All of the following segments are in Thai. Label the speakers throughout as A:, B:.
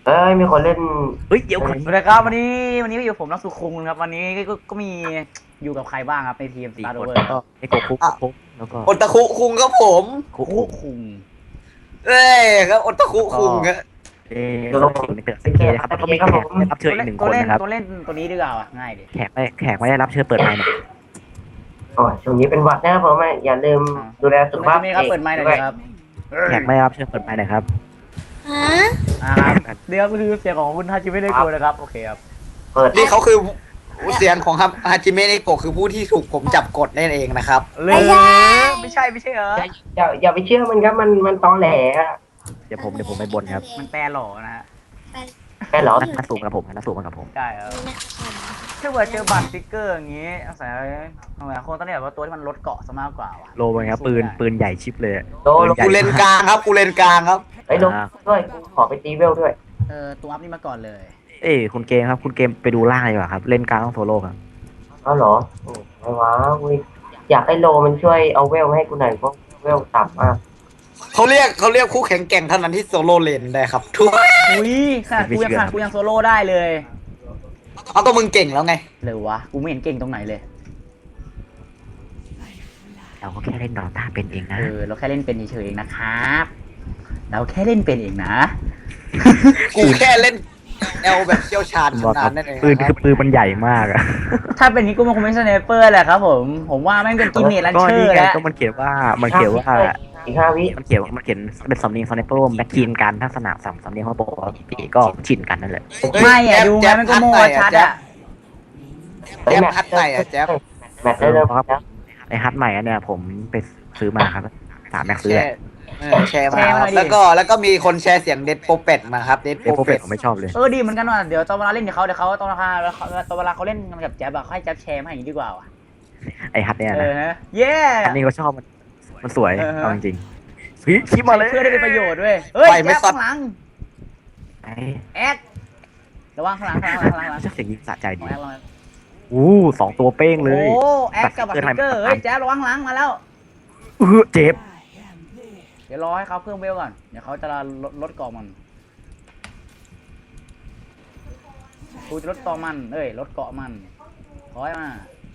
A: มีคนเล่น
B: เฮ้ยเดี๋ยวก่อน
C: สวัสดีครับวันนี้ก็อยู่ผมนักสุขุมครับวันนี้ก็มีอยู่กับใครบ้างครับในทีม
B: สี่
C: Star
B: คน
C: Rover
B: ก็ไอ้โกคุกแล้วก็
D: โอตาคุคุงครับผม
B: คุก
C: คุคุง
D: เอ้ยครับโอตาคุคุงครับ
B: เอ้เราถึงในเกิดสเกตนะครับแล้วก็มีแขกได้รับเชิญอีกหนึ่งคนนะครับ
C: ตัวเล่นตัวนี้ดีกว่าว่ะง่ายดิ
B: แขกไม่ได้รับเชิญเปิดไมค์หน่อย
A: ช่วงนี้เป็นหวัดนะครับผมอย่าลืมดูแลสุขภาพ
C: มีครับเปิดไมค์หน่อยดิครับ
B: แขกไม่ได้รับเชิญเปิดไมค์หน่อยครับ
C: ครับเดี๋ยวก็คือเสียงของคุณฮาจิไม่ได้กลัวนะครับโอเคครับ
A: เปิด
D: นี่เขาคือเสียงของฮาจิเมะเนโกะคือผู้ที่ถูกผมจับกดนั่นเองนะครับ
C: เลยไม่ใช่เหรอ
A: อย่าไปเชื่อมันครับมันตอแหล
B: เดี๋ยวผมไปบนครับ
C: มันแปลหล่อนะฮะ
A: แค่หรอ
B: นักสูงกับผมนักสูงกับผม
C: ใช่ครับถ้าเกิดเจอบัตรสติ๊กเกอร์อย่างงี้อาศัยคนต้องเรียกว่าตัวที่มันลดเกาะซะมากกว่าว่ะ
B: โลเป็นไงครับปืนใหญ่ชิปเลย
A: โด
D: กูเลนกลางครับกูเลนกลางครับ
A: ไอ้ลงด้วยขอไปตีเวลด้วย
C: ตัวอัพนี่มาก่อนเลย
B: เอ้คุณเกมครับคุณเกมไปดูล่างเลยดีกว่าครับเล่นกลางต้องโซโล่ครับ
A: อ๋อเหรอไอ้วะอยากให้โลมันช่วยเอาเวลให้กูหน่อยเพราะเวลต่ำมาก
D: เขาเรียกคู่แข่งแกร่งเท่านั้นที่โซโล่เลนได้ครับทุก
C: อุ้ยขนาดกูยังโซโล่ได้เลย
D: เอาก็มึงเก่งแล้วไง
C: เลยวะกูไม่เห็นเก่งตรงไหนเลย
B: เราก็แค่เล่นดอต้าเป็นเองนะ
C: เราแค่เล่นเป็นเฉยๆเองนะครับเราแค่เล่นเป็นเองนะ
D: กูแค่เล่นแอลแบบเชี่ยวชาญ
B: บอก
D: นา
B: ครั
D: น
B: บ
D: นั่นเอง
B: ปืน
D: ค
B: คื
D: รับ
B: อปืนมันใหญ่มากอะ
C: ถ้าเป็นนี้กูมันคงเป็นสไนเปอร์แหละครับผมว่าแม่งเป็นกินเนตลัน
B: ก็
C: เชอ
B: นี่
C: ร์
B: ไง
C: แล้ว
B: ก็มันเขียนว่า
A: อีก5 วิ
B: มันเขียนเป็นสำเนียงสไนเปอร์แบ็คทีนกันถ้าสนามสำเนียงเขาบอกว่าปีก็ชินกันนั่นแหละ
C: ไม่อะดูไงมันก็โม่ชัดอะ
D: แจ๊บพัดไหนอะแจ๊บ
A: แมตช์ได้เริ่มแล้ว
B: ไอฮัทใหม่อันเนี่ยผมไปซื้อมาครับถามแม็กซื้อ
D: แชร์มาครับแล้วก็มีคนแชร์เสียงเด็ดโปเป็ดมาครับเด็ด
B: เดี๋ยว
D: โป
B: โปรเฟ
D: เป็
B: ต
D: ด
B: ผมไม่ชอบเลย
C: ดีเหมือนกันว่ะเดี๋ยวตอนเวลาเล่นเดี๋ยวเขาตอนเวลาเขาเล่นกันกับแจ๊บอะเขาให้แจ๊บแชร์มาอย่างนี้ดีกว่าว่ะ
B: ไอฮัทเนี่ยนะ
C: ฮะเย้
B: อันนี้ก็ชอบมันสวยเอาจริงๆคิดมาเลย
C: เพื่อได้เป็นประโยชน์ด้วยเฮ้ยแจ๊บข้างหลัง
B: ไอ้
C: แอดระวังข้างหลัง
B: ชอบเสียงยิงสะใจดี
C: แอดระวัง
B: 2 ตัวเป้งเลย
C: โอ้แอดกับบัตรสติ๊กเกอร์เฮ้ยแจ๊บระวังหลังมาแล้ว
B: เจ็บ
C: เดี๋ยวรอให้เขาเพิ่มเวลก่อนเดี๋ยวเขาจะลดเกาะมันกูจะลดเกาะมันลดเกาะมันถอยมา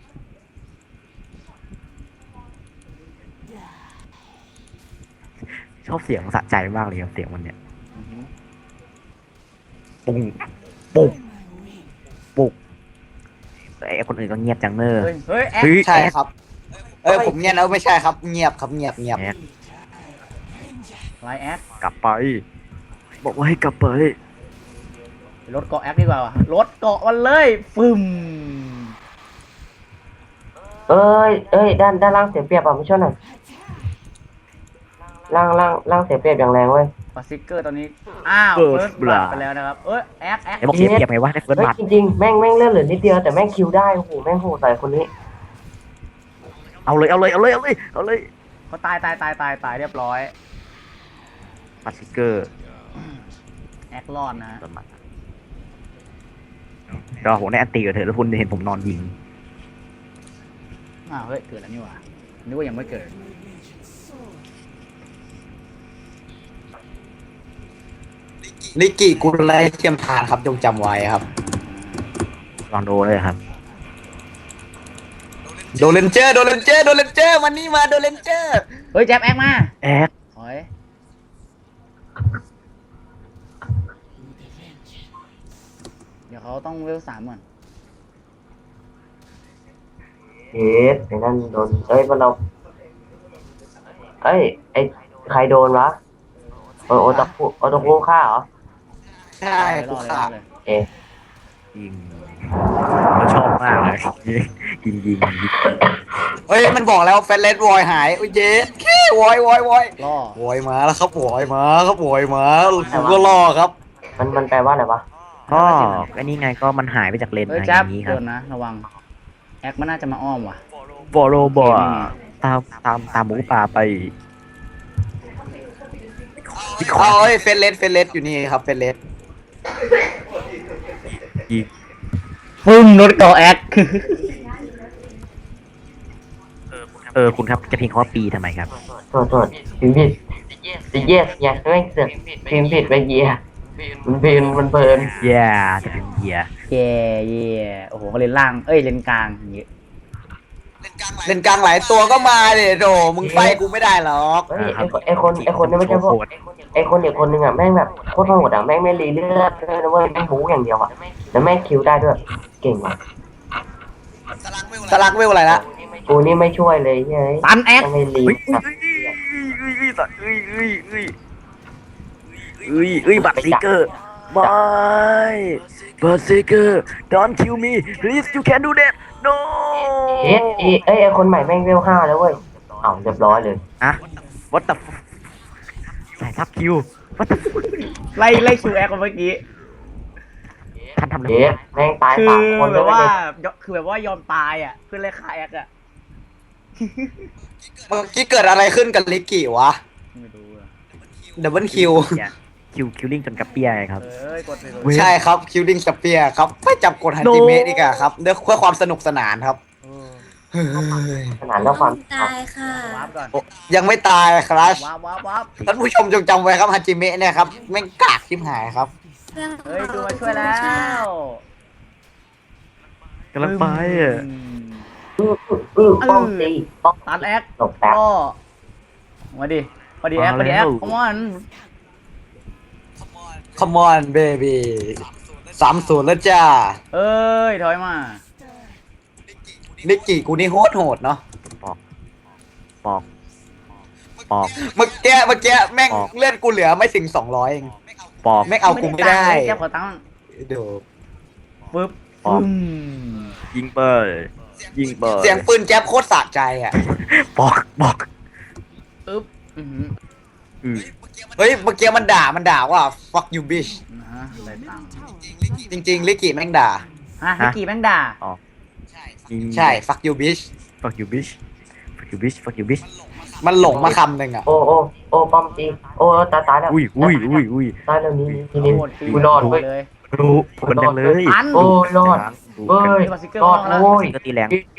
B: ชอบเสียงสะใจมากเลยครับเสียงมันเนี่ยปุ้งปุ้งปุ้งไอ้คนอื่นก็เงียบจังเนอร์
C: เฮ้ยแอด
D: ใช่ครับผมเงียบแล้วไม่ใช่ครับเงียบครับเงียบ
C: ไลน์แอด
B: กลับไป บอกว่าให้กลับไป
C: ลดเกาะแอดดีกว่าวะลดเกาะมันเลยฟึม
A: ด้านล่างเสียเปรียบอ่ะไม่ช่วยหน่อยล่างเสียเปรียบอย่างแรงเว้ย
C: บัตรสติ๊กเกอร์ตอนนี้อ้าวเฟิร์สบลัดไปแล้วนะครับแอด
B: ไอ้บอกเสียเปรียบไงวะได้เฟิร์สบัต
A: จริงๆแม่งเลื่อนเหลือนิดเดียวแต่แม่งคิวได้โอ้โหแม่งโหดใส่คนนี้
B: เอาเลย
C: เขาตายเรียบร้อย
B: บัตรสติกเกอร์
C: แอดรอดนะ
B: เฟิร์สบัตก็ผมได้อันตีกับเธอแล้วคุณเห็นผมนอนยิง
C: อ้าวเฮ้ยเกิดแล้วนี่หว่านึกว่ายังไม่เกิด
D: ลิกิกุลไลเทียมทานครับจงจำไว้ครับ
B: ลองดูเลยครับ
D: โดเลนเจอร์วันนี้มาโดเลนเจอร์
C: เฮ้ยแจ๊บแอดมา
B: แอด
C: ถอยเดี๋ยวเขาต้องเวล3ก่อน
A: เฮ้ยไอ้นั่นโดนมันเราไอ้ใครโดนวะโอตะคุฆ่าเหรอ
D: ใช่กูขาด
A: เอ๊ะ
B: ยิงเขาชอบมากเลยยิง
D: เฮ้ยมันบอกแล้วแฟนเลสวอยหายโอ้ยเย้แค่วอย
C: ล่อ
D: วอยมาแล้วครับวอยมาผมก็รอครับ
A: มันแปลว่าอะไรวะ
B: ก็อันนี้ไงก็มันหายไปจากเลน
C: เฮ้ย
B: อะไรอ
C: แจ๊บ
B: ย่างนี้ค
C: โด
B: รับ
C: นนะระวังแอดมันน่าจะมาอ้อมว่ะ
B: บอโรบอตามหมูป่าไป
D: เอาเฮ้ยเฟนเลสอยู่นี่ครับเฟนเลส
B: ยิง
C: ฟึ่มรถเกาะแอด
B: คุณครับจะพิงเขาว่าปีทำไมครับ
A: โทษพิมพ์ผิดเยสเนี่ยแม่งเสือกพิมพ์ผิดไปเยียมันเพลินมันเพลิน
B: เย่จะเป็นเฮีย
C: เย่เย่โอ้โหก็เลนล่างเอ้ยเลนกลางอย่างงี้
D: เล่นกลางหลายตัวก็มาเลยโดมึงไฟกูไม่ได้หรอก
A: เฮ้ยไอคนนี่ไม่ใช่พวกไอคนเด็กคนหนึ่งอ่ะแม่งแบบโคตรโหดอ่ะแม่งไม่รีเลือดเลยนะเว้ยแม่งบู๊อย่างเดียวอ่ะแล้วแม่งคิวได้ด้วยเก่งว่ะ
D: สลักเวลอะไรละ
A: กูนี่ไม่ช่วยเลยเฮ้ย
C: ตันแอค
A: ไม่รี
B: บัตรซิกเกอร์ไม่บัตรซิกเกอร์ don't kill me please you can do that no
A: ไอคนใหม่แม่งเวล5แล้วเว้ยอ้าวเรียบร้อยเลย
B: อะ what the fuck ใส่ทับคิว what the fuck
C: ไล่คิวแอคเมื่อกี้
B: ท่านทำอะไร
A: เอ๊ะแม่งตาย
C: คือ
A: 3 คน
C: แบ
A: เลย
C: บว่า
A: เว้ย
C: คือแบบว่ายอมตายอ่ะเพื่อไล่ฆ่าแอคอ่ะ
D: เมื่อกี้เกิดอะไรขึ้นกับลิกกี้วะ
C: ไม่รู้อะ
D: ดับเบิลคิว
B: คิวลิงจนกระเปียไงครับ
C: เอ้ยกดเลย
B: เว้ย
D: ใช่ครับคิวดิ้งสเปียร์ครับไม่จับกดฮันจิเมะดีกว่าครับเพื่อความสนุกสนานครับเฮ้ย
A: ขนาดแล้วความ
E: ตายค่ะ
C: วาร์ปก่อน
D: โอ้ยังไม่ตายครับ
C: วาร์ป
D: ท่านผู้ชมจงจำไว้ครับฮันจิเมะเนี่ยครับแม่งกากชิบหายครับ
C: เฮ้ยดูมาช่วยแล้ว
B: กำลังไปอ่ะ
A: ป้องตีป้อง
C: ตันแอค
A: หลบแป๊บ
C: ก็มาดิแอคคอมอน
D: Come on baby 3-0แล้วจ้า
C: เอ้ยถอยมา
D: ลิกกี้กูนี่โหดเนาะ
B: ปอก
D: เมื่อกี้แม่ง
B: ออก
D: เลื่อนกูเหลือไม่ถึง200เอง
B: ปอก
D: แม่งเอากูไม่ได้
C: แจ็บขอตั้ง
D: เดี๋ยว
C: ปึ๊บ
B: ออก ยิงเปิดยิงเปิด
D: เสียงปืนแจ๊บโคตรสะใจอ่ะ
B: ปอก
C: อึ๊บอือหือ
B: อือ
D: เฮ้ยเมื่อกี้มันด่าว่า fuck you bitch
C: นะฮะได้ตังค์
D: จริงๆลิกกี้แม่งด่า
C: ฮะฮิกกี้แม่งด่า
B: ยิง
D: ใช่ fuck you bitch
B: fuck you bitch fuck you bitch fuck you bitch
D: มันหลงมาคำหนึ่งอ่ะ
A: โอ้ป้อมตีโอ้ตายแล้ว
B: อุ้ย
A: ตายแล้วนี่นี่
C: โหดปี
A: กูรอดเว้ย
C: เลย
B: รู้คนจังเลย
C: ตัน
A: โอ้รอด
B: ดู
A: เว้ย
C: มีบัตรสติ๊กเกอร์
A: รอด
C: บ้างแล้ว
A: โว้ย
B: ก็ตีแรง
A: เก้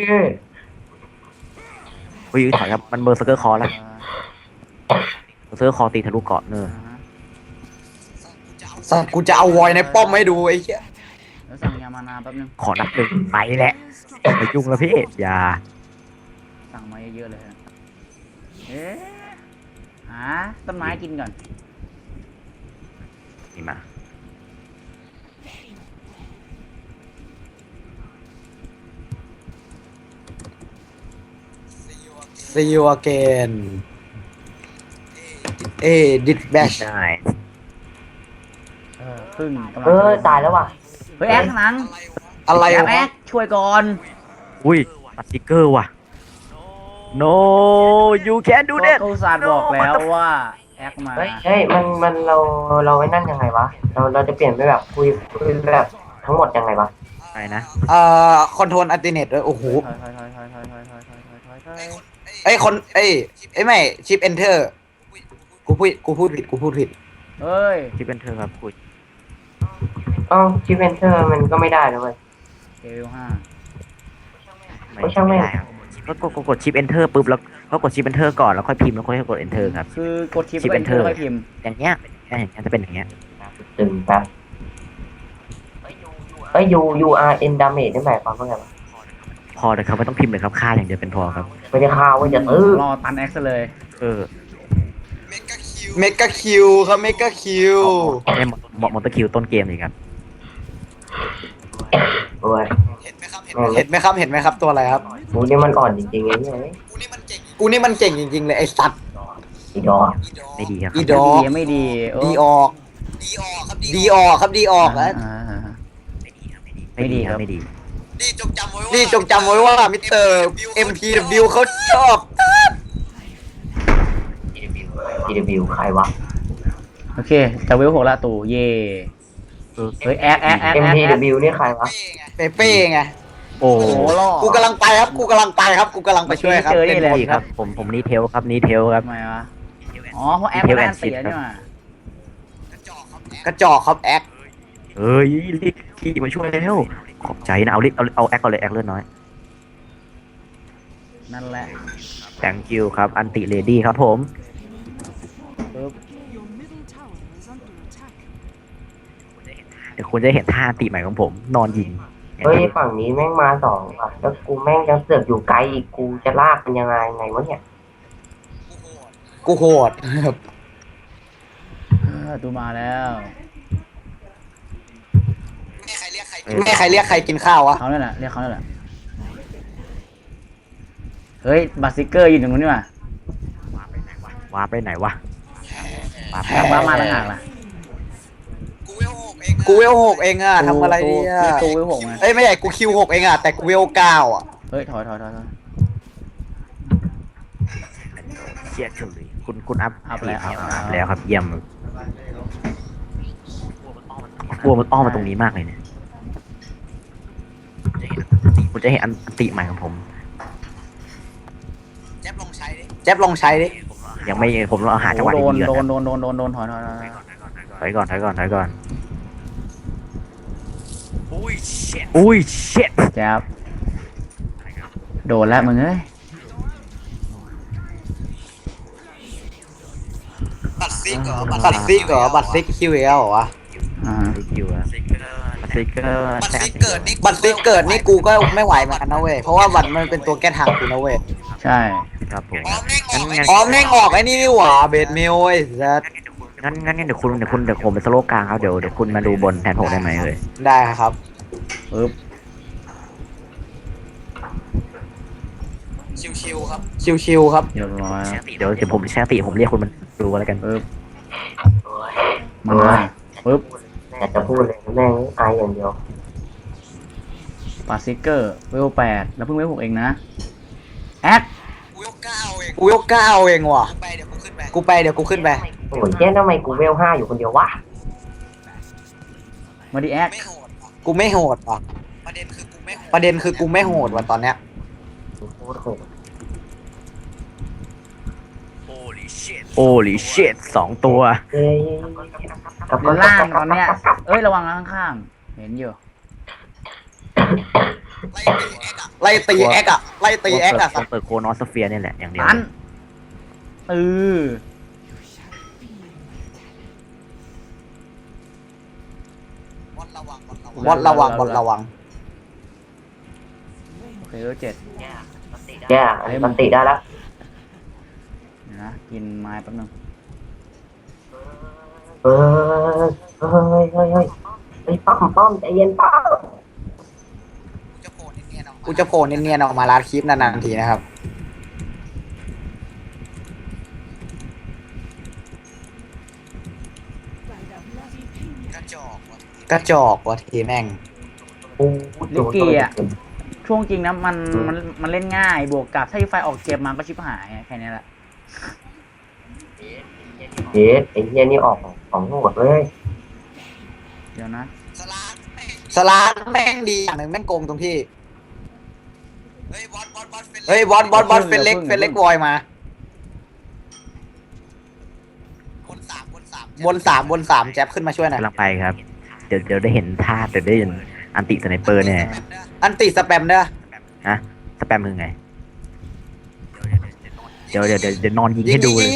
B: อุ้ยถอยครับมันเบอร์สเกอร์คอแล้วเบอร์สเกอร์คอตีทะลุเกาะเนอ
D: สัตว์กูจะเอาวอยในป้อมให้ดูไอ้เหี้ย
C: แล้วสั่งยามานาแป๊บนึง
B: ขอนับหนึ่งไปแหละไปยุ่งแล้วพี่อย่า
C: สั่งมาเยอะๆเลยฮะเอ๊ะหาต้นไม้กินก่อน
B: นี่มา
D: See you again ดิดแบช
B: ได้
C: พึ่งกำลัง
A: ตายแล้วว่ะ
C: เฮ้ยแอคข้างหลัง
D: อะไร
C: แอ
D: วะ
C: คช่วยก่อน
B: อุ้ยปัดสติ๊กเกอร์ว่ะ no you can't do
C: ก็
B: that
C: เขาอุตสาห์บอกแล้วว่าแอคมา
A: เฮ้ยมันเราไอ้นั่นยังไงวะเราจะเปลี่ยนไปแบบคุยแบบทั้งหมดยังไงวะ
B: ไปนะ
D: คอนโทรลอัลติเนตด้วยโอ้โห
C: ถอย
D: ไอ้ยคนไอ้ไม่ชิปเอนเตอร์กูพูดผิด
C: เฮ้ย
B: ที่เป็นเธอครับคุย
A: อ้าวชิปเอนเตอร์มันก็ไม่ได้นะเว้ย
C: เลเวล5
A: ไม่ช่างแม่ง
B: ได้ครับก็กดชิป enter ปุ๊บแล้วก็กดชิป enter ก่อนแล้วค่อยพิมพ์แล้วค่อยกด enter ครับ
C: คือกดชิป
B: ชิป
C: เป็นเธอ
B: enter
C: ไปพิมพ์
B: อย่างเงี้ยจะเป็นอย่างเงี้ย
A: ตึงแป๊บURN damage นี่หมายความว่าไงวะ
B: พอเลยครับไม่ต้องพิมพ์เลยครับค่าอย่างเดียวเป็นพอครับ
A: ไม่ได้ข่าวว่าจะ
C: รอตันแอคซะเลย
B: เออ
D: เมกาคิวครับเมกาคิว
B: ไอ้มอเตอร์คิวต้นเกมเลยครับ
A: โอ้ย
D: เห็นไหมครับตัวอะไรครับ
A: กูนี่มันอ่อนจริงๆไอ้เนี่ย
D: กูนี่มันเก่งจริงๆเลยไอ้สัตว์
A: อีดอก
B: ไม่ดีครับ
D: อีดอก
C: ไม่ดีโอ้
D: ดีออกครับดีออกแล้ว
B: ไม่ดีครับไม่ดี
D: นี่จงจำไว้ว่ามิสเตอร์ MPW เขาชอบ
A: TW ใครวะ
C: โอเคจะเวล6ละตู่เย่เฮ้ยแอค
A: MPW นี่ใครวะ
D: เปเป้ไง
B: โอ้
C: โอ้โหล่อ
D: กูกำลังไปครับกูกำลังไปช่วยครับ
C: เจอนี่แหละ
B: ดีครับผมนี่เทลครับนี่เทลครับ
C: ทำไมวะอ๋อเพราะแอคไม่ได้อันเสียนี่หว่าก
D: ระจอกครับแอค
B: เอ้ยรีบขี่มาช่วยแล้วขอบใจนะเอาแอคก่อนเลยแอคเลือดน้อย
C: นั่นแหละ
B: thank you ครับอันติเลดี้ครับผม
C: ปึ๊บ
B: เดี๋ยวคุณจะเห็นท่าอันติใหม่ของผมนอนยิง
A: เฮ้ยฝั่งนี้แม่งมาสองว่ะแล้วกูแม่งยังเสือกอยู่ไกลอีกกูจะลากมันยังไงวะเนี่ย
D: กูโหด
C: ตูมาแล้ว
D: ไม่ใครเรียกใครกินข้าววะ
C: เขาเนี่ยแหละเรียกเขาเนี่ยแหละเฮ้ยบัตซิเกอร์ยืนตรงนู้นนี่ว่ะ
B: ว้าไปไหนวะว้าไป
C: กลับบ้านมาต่างหากล่ะ
D: กูเวลหกเองอะทำอะไรเนี่ย
C: ตูวิวหกไง
D: เอ้ยไม่ใหญ่กูคิวหกเองอะแต่กูเวลเก้าอะ
C: เฮ้ยถอย
B: เชียร์เฉยคุณอัพ
C: อัพแล้ว
B: อัพแล้วครับเยี่ยมกลัวมันอ้อมมาตรงนี้มากเลยเนี่ยคุณจะเห็นอันติใหม่ของผม
D: แจ๊บลองใช้ดิ
B: ยังไม่ผมต้องเอาหาจังหวะ
C: โด
B: ดี
C: น
B: ๆก่อน
C: โดนถอย
B: ถอยก่อนอุ้ยเช็ด
C: แจ๊บโดนแล้วมึงเอ้ย
D: บัตรซิกเหรอบัตรซิกคิวเอลเหรอวะ
C: อ่า
B: สกิลอะสติกเกอร์
D: บัตรซิกเกิดนี่กูก็ไม่ไหวเหมือนกันนะเว้ยเพราะว่าบัตรมันเป็นตัวแก้ทางกูนะเว้ย
C: ใช่
B: ครับผม
D: อ๋อแม่งออกไอ้นี่นี่หว่าเบดเมลไอ้สัส
B: งั้นเดี๋ยวผมไปสโลกลางครับเดี๋ยวคุณมาดูบนแทนผมได้ไหมเอ่ย
D: ได้ครับ
C: ปึ๊บ
D: ชิวๆครับ
C: เรียบร้อย
B: เดี๋ยวผมแชร์ติผมเรียกคุณมันดูอะไรกัน
C: ปึ๊บ
A: โอ้ย
C: มาปึ๊บ
A: อยากจะพูดเลยแม่งอายอย่างเดียว
C: บัตซิเกอร์เวล8แล้วเพิ่งเวล6เองนะแอค
D: กูเวลเก้าเองว่ะกูไปเดี๋ยวกูขึ้นไป
A: โอ้ยเจ๊ทำไมกูเวล5อยู่คนเดียววะ
C: มาดิแอค
D: กูไม่โหดว่ะประเด็นคือกูไม่โหดว่ะตอนเนี้ย
A: โคตรโหด
B: โอ้ลิเชต2 ตัว
A: เอ้ยกับ
C: อยู่ล่างตอนเนี้ยเอ้ยระวังนะข้างๆเห็นอยู่
D: ไล่ตีแอคอะ
B: เปิดโคนอสเฟียนี่แหละอย่างเดียว
C: ตัน
D: บอลระวัง
C: โอเคเวล7
A: แย่อันนี้มันติได้แล้ว
C: เดี๋ยวนะกินไม้แป๊บนึง
A: เฮ้ยไอ้ป้อมใจเย็นป้อม
D: กูจะโผล่เนียนๆออกมาลาดคลิปนานๆทีนะครับกระจอกว่ะทีแม่ง
A: โอ้
C: ลิกกี้อ่ะช่วงจริงนะมันเล่นง่ายบวกกับถ้าไฟออกเกมมาก็ชิบหายแค่นี้แหละ
A: เจ๊ไอ้เหี้ยนี่ออกของโหดเลย
C: เดี๋ยวนะ
D: สลาดแม่งดีอย่างหนึ่งแม่งโกงตรงที่เฮ้ยบอสเฟนเล็กวอยมาบนสามแจ๊บขึ้นมาช่วยหน่อย
B: กำลังไปครับ เดี๋ยวได้เห็นท่าเดี๋ยวได้เห็นอันติสไนเปอร์แน่
D: อันติสแปมเด้อ
B: ฮะสแปมคือไงเดี๋ยวนอนยิงให้ดูเลย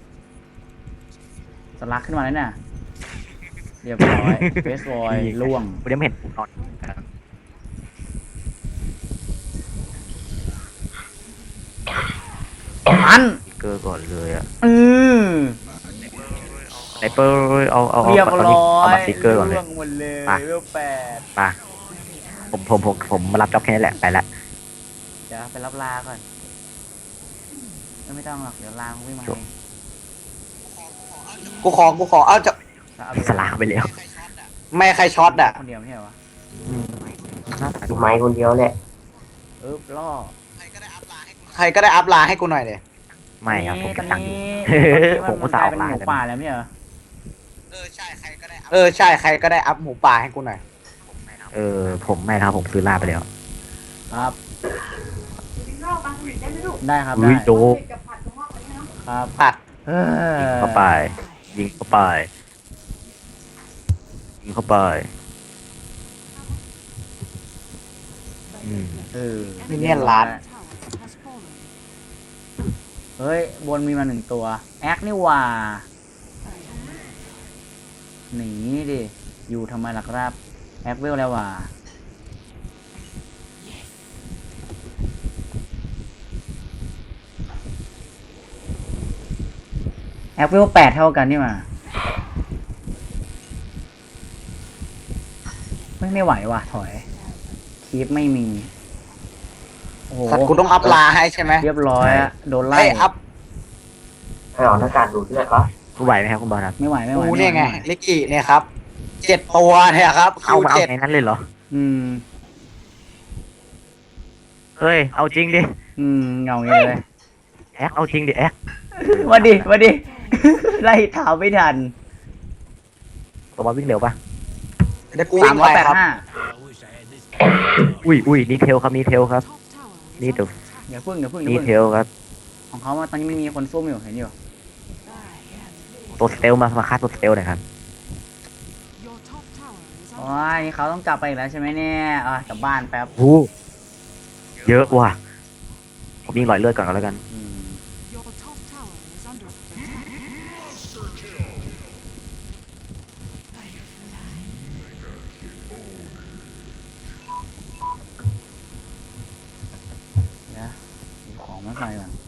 C: สลักขึ้นมาแล้วน่ะเรียบร้อยเฟสบอยล่วง
B: ผมยังไม่เห็นผมนอน
C: อัน
B: เกอร์ก่อนเลยอะ
C: อือ
B: สไนเปอร์เอา
C: เรียบ
B: ตอน
C: ร้
B: นี้
C: อ
B: เอา
C: ย
B: มาสติกเกอร์ก่อนเลย
C: ล่วงหมดเลย
B: ไป
C: เวล8
B: ป่ะผมมารับจ็อบแค่นี้แหละไปละ
C: เดี๋ยวไปรับลาก่อนไม่ต้องหรอกเดี๋ยวลางวิ่งมาเอง
D: กูขอเอาจะ
C: แล้วเอา
B: สลากไปแล้ว
D: ไม่ใครช็อตอ่ะ
C: คนเดียวไม่ใช่เหรอวะ
A: ดูไม้คนเดียวแหละ
C: ล่อ
D: ใครก็ได้อัพไลน์ให้กูหน่อยเลย
B: ไม่ครับผม
C: ต
B: จะ
C: อน
B: ตั้งอยู่
C: นี้
B: ผมก็สาว
C: เป็น
B: ลา
C: หมู
B: กัน
C: ป่าแล้วไม่ใช่เหรอ
D: ใช่ใครก็ได้อัพหมูป่าให้กูหน่อย
B: ผมไม่ครับผมซื้อลาไปแล้ว
C: ครับได้ครับ
B: อุ้
C: ได้
B: ยโด
C: ครับ
D: ปัด
C: เออ
B: ยิงเข้าไปยิงเข้าไป
C: เออ
D: มินเนี่ยนล้าน
C: เฮ้ยบนมีมา1 ตัวแอคนี่หว่าหนีดิอยู่ทำไมล่ะครับแอคเวลแล้วว่ะแอคเวล8เท่ากันนี่มาไม่ไหวว่ะถอยคีปไม่มีโอ้โห
D: สัตว์กูต้องอัพลาให้ใช่ไหม
C: เรียบร้อยอะโดนไล่
D: ไอ้ยอัพ
A: ให้ออกหน้าการดูเลือดวะ
B: คุณไหวไหมครับคุณบอลครับ
C: ไม่ไหวไม่ไหว
D: กู
C: ม่หว
D: เนี่ยไง
C: ม่หว
D: ลิกกี้เนี่ยครับ7 ตัวเนี่ยครับคิ
B: เอา
D: ว
B: มาเอา
D: เจ็ด
B: ในนั้นเลยเหรอ
C: อืม
B: เฮ้ยเอาจริงดิ
C: เงาอย่างนี้เลย
B: แอคเอาจริงดิแอค
C: มาดิ ไล่เท้าไม่ทัน
B: ตัวบอลวิ่งเร็วปะ
D: เดี๋ยวกูวิ่งไปครับ
C: 385
B: อุ้ยนี่เทลครับนี่เทลครับนี่เดี๋ยว
C: เดี๋ยวพึ่ง
B: นี่เทลครับ
C: ของเขาตอนนี้มันมีคนซุ่มอยู่เห็นอยู่
B: ตัวสเตลมาฆ่าตัวสเตลหน่อยครับ
C: โอ้ยเขาต้องกลับไปอีกแล้วใช่ไหมเนี่ยกลับบ้านแป๊บ
B: หูเยอะว่ะผมยิงหลอยเลือดก่อนก็แล้วกัน
C: เดี๋ยวหยิบของมาใส่ก่อน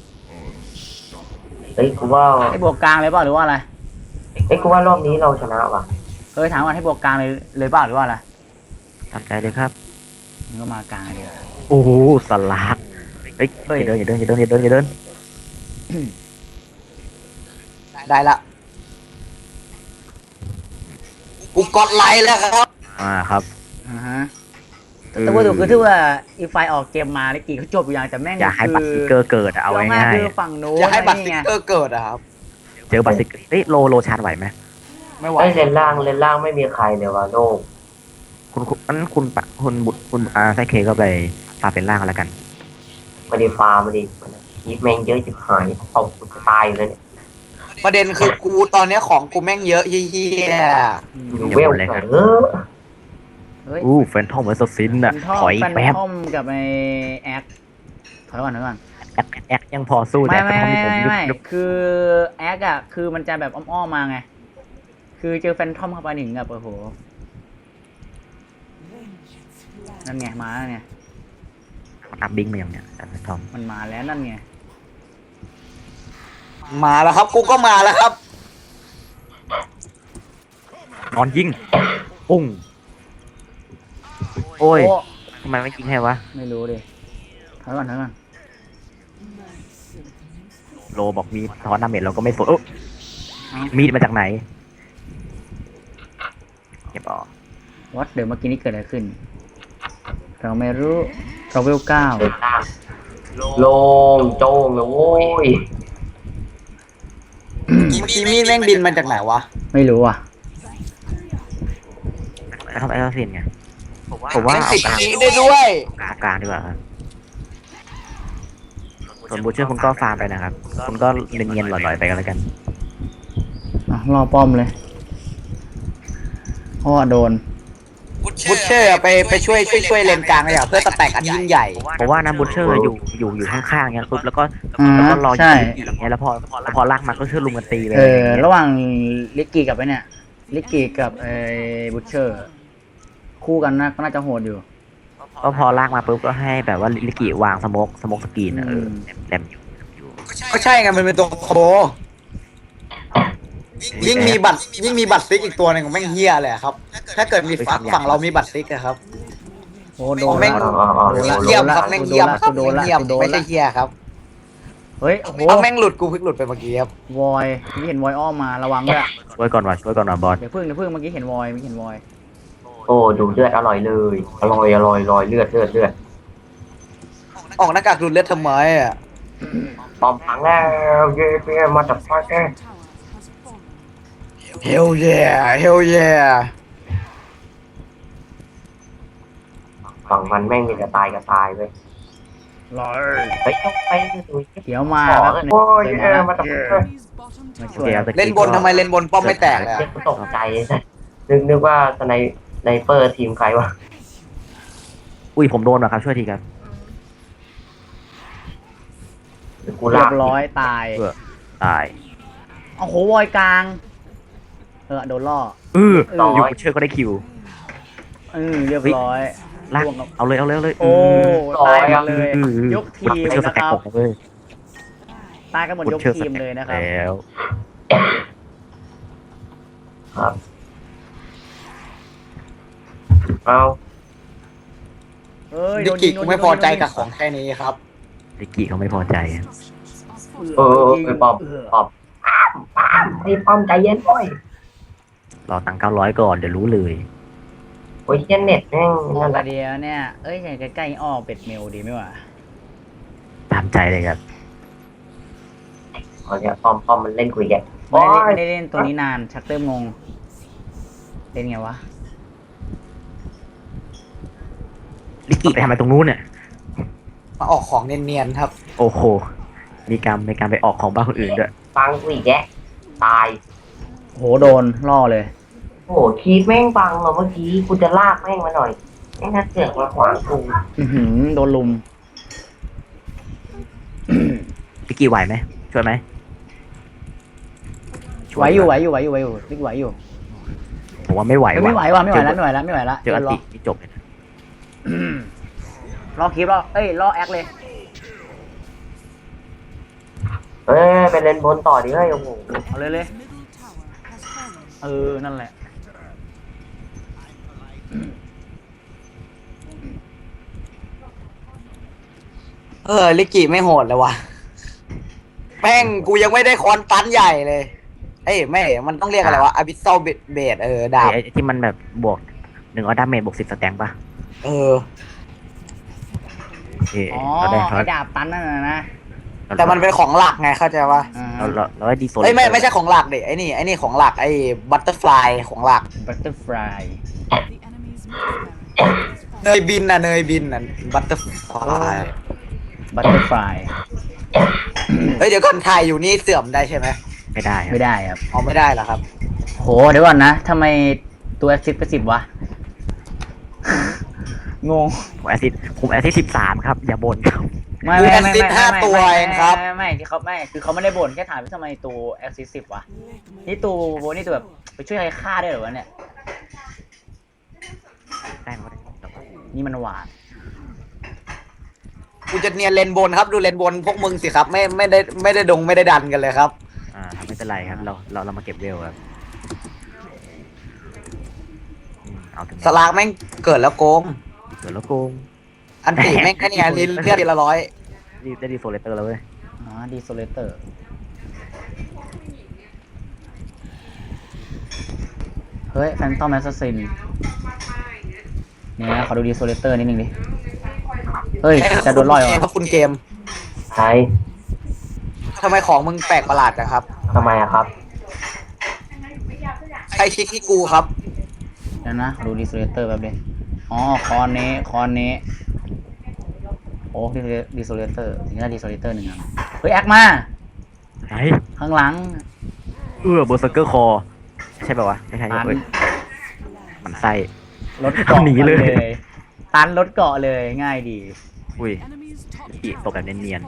A: เฮ้ยกูว่า
C: ให้บวกกลางเลยเปล่าหรือว่าอะไร
A: เฮ้ยกูว่ารอบนี้เราชนะว่ะ
C: ถามว่าให้บวกกลางเลยเปล่าหรือว่าอะไร
B: ตามใจเลยครับ
C: มันก็มากลางเลย
B: โอ้โหสลักเฮ้ยอย่าเดินอย่าเดินอย่าเดินอย่าเดิน
D: ได้ละกูกดไลค์แล้วครับ
B: ครับ
C: ฮะแต่ว่าคือที่ว่าอีไฟออกเกมมาลิกกี้เขาจบอยู่อย่างแต่แม่ง
B: อย่าให้บัตรสติกเกอร์เกิดอะเอา
C: ง่าย
B: ง่าย
C: คือฝั่งโน้น
D: อย่าให้บัตรส
C: นี่
D: ติ๊
C: ไง
D: กเกอร์เกิดอะครับ
B: ๆเจอบัตรสติกเกอร์เฮ้ยโลชาร์จไหวไหม
D: ไม่ไหว
A: ไอ้ยเลนล่างไม่มีใครเลยว่ะโลก
B: คุณไซเคก็ไปฟาเป็นล่างกันแล้วกัน
A: ไม่ได้ฟาร์มไม่ได้คีบแม่งเยอะจิบหายเอากูจะตายเลยเนี่ย
D: ประเด็นคือกูตอนเนี้ยของกูแม่งเยอะเฮี้ย
A: ดูเวลเลยเออ
C: เฮ้ย
B: แฟนทอมเหมือนสซินน่ะ ถอย
C: แฟน
B: แป๊บ
C: ทอมกับไอแอคถอยก่อน
B: แอคยังพอสู้
C: ไม่
B: แต่แฟนทอมที่ผม
C: ไม่คือแอคอะคือมันจะแบบอ้อมๆมาไง คือเจอแฟนทอมเข้าไปถึงแบบโอ้โหนั่นไงมาแล้วเนี่ย
B: อัพบิงมาอย่างเนี้ยแฟนทอม
C: มันมาแล้วนั่นไง
D: มาแล้วครับกูก็มาแล้วครับ
B: นอนยิงปุ้งโอ้ย
C: โอ้
B: ทำไมไม่ยิงให้วะ
C: ไม่รู้ดิถอยก่อน
B: โลบอกมีทอนดาเมจเราก็ไม่สนมีดมาจากไหนเก็บออก
C: วัดเดี๋ยวเมื่อกี้นี้เกิดอะไรขึ้น เราไม่รู้เราเวล9
A: เลนล่างโลงโจ้งเลยโว้ย
D: เมื่อกี้มีดแม่งบินมาจากไหนวะ
C: ไม่รู้อ่ะ
B: แล้วทำไอ้เราเสียนไงผมว่า
D: แม่ง
B: เอา
D: ติด
B: กลาง
D: อีกได้ด้วย
B: กลางดีกว่าครับส่วนบูเชอร์คุณก็ฟาร์มไปนะครับ คุณก็เนียนๆหล่อยๆไปกันแล้วกัน
C: รอป้อมเลยเพราะว่าโดน
D: บุชเชอร์ไปช่วยเลนกลางเลยอะเพื่อสแต็กอันยิ่งใหญ่
B: เพราะว่านะบูเชอร์อยู่ข้างๆเงี้ยปุ๊บแล้วก็รอ
C: ใช่
B: ยิงอย่างเงี้ยแล้วพอลากมาก็เชื่อลุมกันตีเลย
C: ระหว่างลิกกี้กับไอ้เนี่ยลิกกี้กับไอ้บูชเชอร์ คู่กันนะก็น่าจะโหดอยู่
B: ก็พอลากมาปุ๊บก็ให้แบบว่าลิกิวางสโมกสกรีนแหลมอยู่
D: ก็ใช่ไงมันเป็นตัวโคยิ่งมีบัตรซิกอีกตัวหนึงของแม่งเฮี้ยเลยอะครับ ถ้าเกิดมีฝั่งเรามีบัตรซิกอะครับ
C: โอ้โดน
D: แม่ง เยี่ยมครับแม่งเยี่ยมครับ
C: โดน
D: แม่ง
C: ละ
D: เยี่ยม
C: โดน
D: ไม่
C: ละ
D: ใช่เฮี้ยครับ
C: เฮ้ยโอ้โห
D: เอาแม่งหลุดกูเพิ่งหลุดไปเมื่อกี้ครับ
C: วอยนี่เห็นวอยอ้อมมาระวังด้วย
B: ช่วยก่อนว่ะบอส
C: เดี๋ยวพึ่งเมื่อกี้เห็นวอย
A: โอ้ดูเลือดอร่อยเลยอร่อยเลือด
D: ออกหน้ากากดูดเลือดทำไมอะ
A: ปอมพังแล้วเย้มาจากพ่อแก
D: เฮลเย่เฮลเย่
A: ฝั่งมันแม่งมีแต่ตายกับตายเว้ย
C: รอ
A: ไปต้องไปดู
C: เดี๋ยวมา
A: ขอ
C: ครับ
A: โอ้ยมาจากพ่อแก
C: มาช่วย
D: เล่นบนทำไมเล่นบนป้อมไม่แตกเลยอะ
A: เจ๊ตกใจนึกว่าสไนเปอร์ทีมใครวะ
B: อุ้ยผมโดนว่ะครับช่วยทีครับ
A: กู
C: เรี
A: ลาย ก
C: บร้อยตาย
B: ตาย
C: โอ้โหวอยกลางโดนล่อ
B: อยู่เชื่อก็ได้คิว
C: เรียบร้อย
B: ลาก
C: ล่วงครับ
B: เอาเลย
C: โอ้ตายกันเลย ยกทีม
B: เชื่อส
C: นะ
B: แต็
C: ค
B: ก
C: รับ
B: ผมเลย
C: ตายกันหมดยกทีมเลยนะครับ
B: แล้ว
A: ครับเอา
D: ดิกิกูไม่พอใจกับของแค่นี้ครับ
B: ลิกกี้เขาไม่พอใจ
A: ไปปอมรีบปอมใจเย็นโอ้ย
B: รอตังค์900ก่อนเดี๋ยวรู้เลย
A: โอ้ยเย็นเน็ตแม่ง
C: ออ
A: นั่
C: ก
A: นแห
C: มา
A: ละ
C: เดียวเนี่ยอย่างใกล้ๆออกเป็ดเมลดีไหมวะ
B: ตามใจเลยครับ
A: อ๋อเนี่ยปอมมันเล่นคุยแก
C: ไม่ได้เล่นตัวนี้นานชักเริ่มงงเล่นไงวะ
B: ลิกกี้ไปทำอะไรตรงนู้นเนี่ย
D: มาออกของเนียนๆครับ
B: โอ้โหมีการไปออกของบ้านคนอื่นด้วย
A: ฟังคุยแกตาย
C: โหโดนล่อเลย
A: โอ้โหคีบแม่งบังเหรอเมื่อกี้กูจะลากแม่งมาหน่อยแม่งน่าเสือกมาขวางกู
C: โดนลุม
B: ลิกกี้ไหวไหมช่วยไหม
C: ไหวอยู่ลิกไหวอยู่
B: ผมว่าไม่ไหว
C: ไม่ไหว
B: ว่ะ
C: ว่ะไม่ไหวแล้ว
B: เจออัน
C: ล่
B: ตินี่จบเลยนะ
C: ล่อคลิปล่อแอคเลย
A: เอ้ยไปเล่นบนต่อดิเฮ้ยโอ้โห
C: เอาเลย นั่นแหละ
D: ลิกิไม่โหดเลยว่ะแม่งกูยังไม่ได้คอนตันใหญ่เลย เอ้ยไม่มันต้องเรียกอะไรวะอาบิสซอลเบดดาบ
B: ไอ้ที่มันแบบบวก100ดาเมจบวก10สแต็งป่ะ
D: เออ
C: อ๋อ
B: เราได้
C: ไอ้ดาบตันนั่นนะ
D: แต่มันเป็นของหลักไงเข้าใจปะ
B: เราได้ดีโซน
D: เอ้ยไม่ใช่ของหลักเด็ไอ้นี่ของหลักไอ้บัตเตอร์ฟลายของหลัก
C: บัตเตอร์ฟลาย
D: เนยบินน่ะบัตเตอร์ฟลาย
C: บัตเตอร์ฟลาย
D: เฮ้ยเดี๋ยวก่อนถ่ายอยู่นี่เสื่อมได้ใช่ไหม
B: ไม่ได้ครับ
C: ไม่ได้ครับ
D: อ๋อไม่ได้เหรอครับ
C: โหเดี๋ยวก่อนนะทำไมตัวแอคซิสไป10วะ งง
B: ผมแอซิด13ครับอย่าบ่นครับ
C: ไม่
D: คือ Assist 5ตัวเองครับ
C: ไม่ที่เขาไม่คือเขาไม่ได้บ่นแค่ถามว่าทำไมตัวแอคซิส10วะนี่ตัวแบบไปช่วยใครฆ่าได้เหรอวะเนี่ย
B: ได้ไหม
C: นี่มันหวาน
D: กูจะเนียนเลนบนครับดูเลนบนพวกมึงสิครับไม่ได้ดันกันเลยครับ
B: ไม่เป็นไรครับเรามาเก็บเวลครับเอาถึง
D: สลากแม่งเกิดแล้วโกง
B: เดี๋ยวแล้วโกง
D: อันตีแม่งแค่นี้เลือดทีละ100
B: ได้ดีโซเลเตอร์แล้วเว้ย
C: ดีโซเลเตอร์เฮ้ยแฟนตอมแอสซัสซินนี่นะขอดูดีโซเลเตอร์นิดนึงดิเฮ้ยจะโดนล่อยเหรอ
D: ครับคุณเกม
A: ใช่
D: ทำไมของมึงแปลกประหลาดจังครับ
A: ทำไมอะครับ
D: ใครคลิกที่กูครับ
C: เดี๋ยวนะขอดูดีโซเลเตอร์แบบดิอ๋อคอนนี้โอ้ดีโซเลเตอร์ถึงจะดีโซเลเตอร์หนึ่งอ่ะเฮ้ยแอคมา
B: ไหน
C: ข้างหลัง
B: เบอร์เซอร์เกอร์คอใช่ป่าวะไม่ใช่
C: ตัน
B: เว้ยมันไส้
C: รถเกาะ
B: หนีเลย
C: ตันรถเกาะเลยง่ายดี
B: อุ้ยอีตกแบบเนียน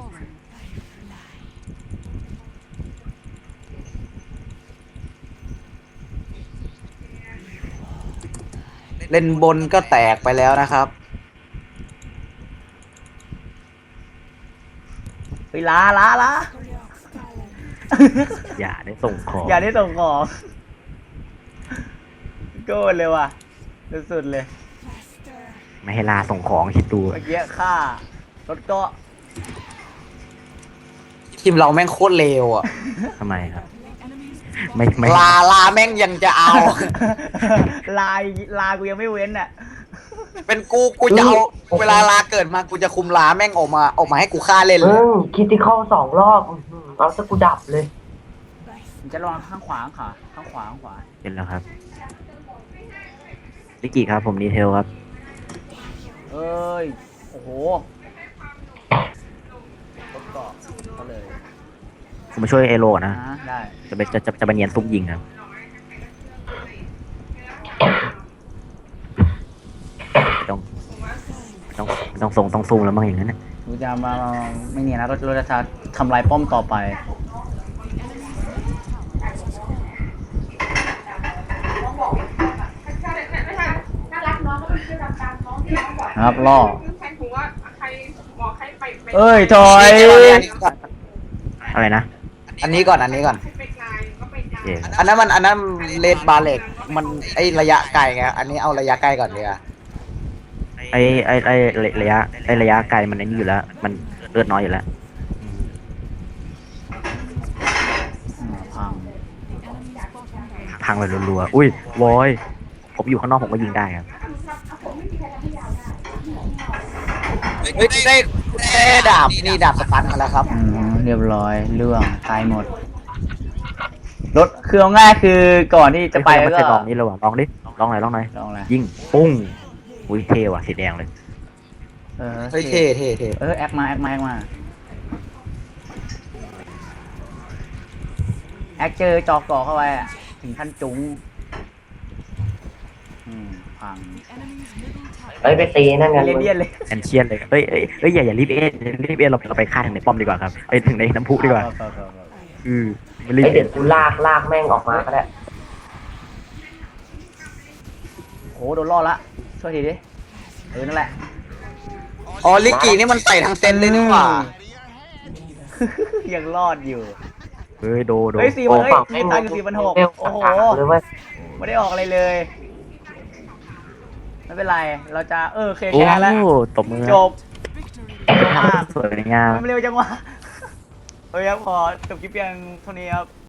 D: เลนบนก็แตกไปแล้วนะครับ
C: เฮ้ยลา
B: ๆอย่าได้ส่งของ
C: อย่าได้ส่งของโกรธเลยว่ะสุดๆเลย
B: ไม่ให้ลาส่งของคิดดู
C: เมื่อกี้ฆ่ารถเกาะ
D: ทีมเราแม่งโคตรเลวอ่ะ
B: ทำไมครับ ไม่
D: ลาแม่งยังจะเอา
C: ลากูยังไม่เว้นอ่ะ
D: เป็นกูจะเอาเวลาลาเกิดมากูจะคุมลาแม่งออกมาให้กูฆ่าเล่นเลย
A: คิดที่เข้า2 รอบเอาซะกูดับเลย
C: มันจะลองข้างขวาข้างขวา
B: เห็นแล้วครับลิกกี้ครับผมดีเทลครับ
C: เอ้ยโอ้โหรถเกาะก็เลย
B: ผมมาช่วยเอโรก่อนนะ
C: ได้
B: จะไปเนียนซุปยิงครับต้องส่งต้องซูมแล้วมั้งอย่างนั้นนะ
C: กูจะมาไม่เนี่ยนะเราจะทำลายป้อมต่อไปนะครับล่อ
E: แทนผมว่าใครบอกให้ไป
C: เอ้ยถอย
B: อะไรนะ
D: อันนี้ก่อนอันนี้ก่อน
E: ไปไกลก็ไปไกล
B: โอเค
D: อันนั้นเลดบาเล็กมันไอระยะไกลไงอันนี้เอาระยะใกล้ก่อนดีกว่า
B: ไอระยะไกลมันไอ้นี่อยู่แล้ว มันเลือดน้อยอยู่แล้ว
C: พัง
B: พังไปรัวๆอุ้ยวอยผมอยู่ข้างนอกผมก็ยิงได้ครับ
D: เฮ้ยได้ดาบนี่ดาบสปันมาแล้วครับ
C: เรียบร้อยเรื่องตายหมดรถคือเอาง่ายคือก่อนที่จะไป
B: ไม่
C: ก็
B: เคยลองนี่เลยว่ะลองดิลองหน่อย
C: ลองอะไร
B: ยิงปุ้งอุ้ยเท่ว่ะสีแดงเลย
D: เฮ้ยเท่เท่เท่
C: แอคมาแอคเจอจอกก่อเข้าไปอะถึงขั้นจุ้งพัง
A: เฮ้ยไปตีนั่นกัน
C: เลี่ยนเลย
B: แอนเชียนเลยเอ้ยอย่ารีบเราไปฆ่าถึงในป้อมดีกว่าครับไปถึงในน้ำพุดีกว่าไม่รีบ
A: ไอเด็กกูลากแม่งออกมาก็ได้
C: โหโดนล่อละช่วยทีดินั่นแหละ
D: อ๋อลิกกี้นี่มันใส่ทั้งเซนเลยนี่หว่า
C: ยังรอดอยู่
B: เฮ้ยโด
C: เฮ้ย4,000เฮ้ยมีตังค์อยู่4,600โอ้โห
A: เลยเว้ย
C: ไม่ได้ออกอะไรเลย ไม่เป็นไร เราจะเค
B: โอ้
C: แชร์แล้ว
B: ตบมือ
C: จบเร็วมาก
B: สวยงาม
C: มันเร็วจังวะเฮ้ยครับขอจบคลิปเพียงเท่านี้ครับ